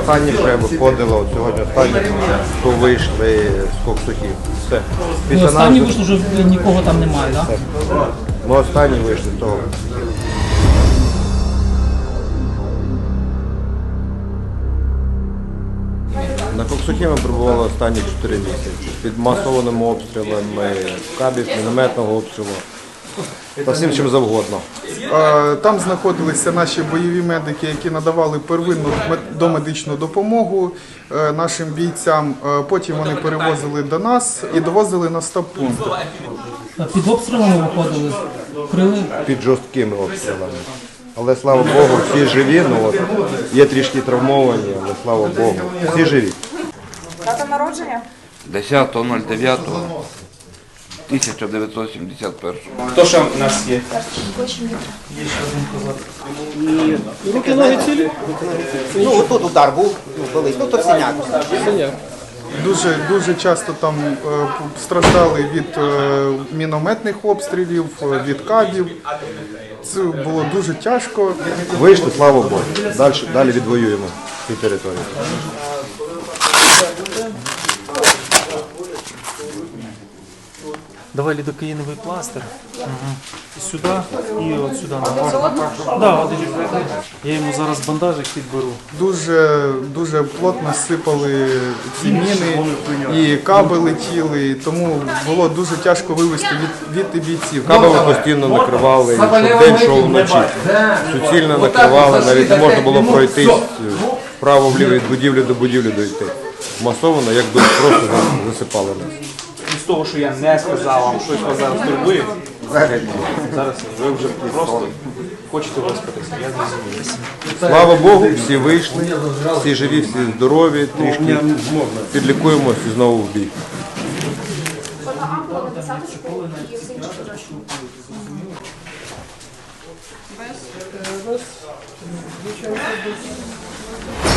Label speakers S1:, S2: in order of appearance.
S1: останні ще виходило, от сьогодні останні, то вийшли з Коксухів. Все.
S2: Ну, останні вийшли, вже нікого там немає, так? Да?
S1: Ми останні вийшли з того. На Коксухі ми перебували останні 4 місяці. Під масованими обстрілами кабів, мінометного обстрілу та всім чим завгодно.
S3: Там знаходилися наші бойові медики, які надавали первинну домедичну допомогу нашим бійцям. Потім вони перевозили до нас і довозили на стаб-пункт.
S2: Під обстрілами виходили, крили.
S1: Під жорсткими обстрілами. Але слава Богу, всі живі, ну от є трішки травмовані, але слава Богу, всі живі.
S4: Дата народження?
S5: 10.09.1971.
S6: Хто ще в нас є?
S7: Руки, ноги цілі?
S8: Ну, тут удар був, болить, ну то синяк.
S3: Дуже часто там страждали від мінометних обстрілів, від кабів. Це було дуже тяжко.
S1: Вийшли, слава Богу. Далі відвоюємо цю територію.
S7: Давай лідокаїновий пластир. Сюди і от сюди. Да, один. Я йому зараз бандажик підберу.
S3: Дуже плотно сипали ці міни, і каби летіли, тому було дуже тяжко вивезти від бійців.
S1: Кабами постійно накривали, щоб день йшов вночі. Суцільно накривали, навіть не можна було пройтись вправо-вліво від будівлі до будівлі дойти. Масово, як би просто засипали нас.
S6: З того, що я не сказав вам, щось вас зараз турбує. Зараз ви вже просто хочете виспатися, я зрозумів.
S1: Слава Богу, всі вийшли, всі живі, всі здорові, трішки підлікуємося і знову в бій.
S4: Без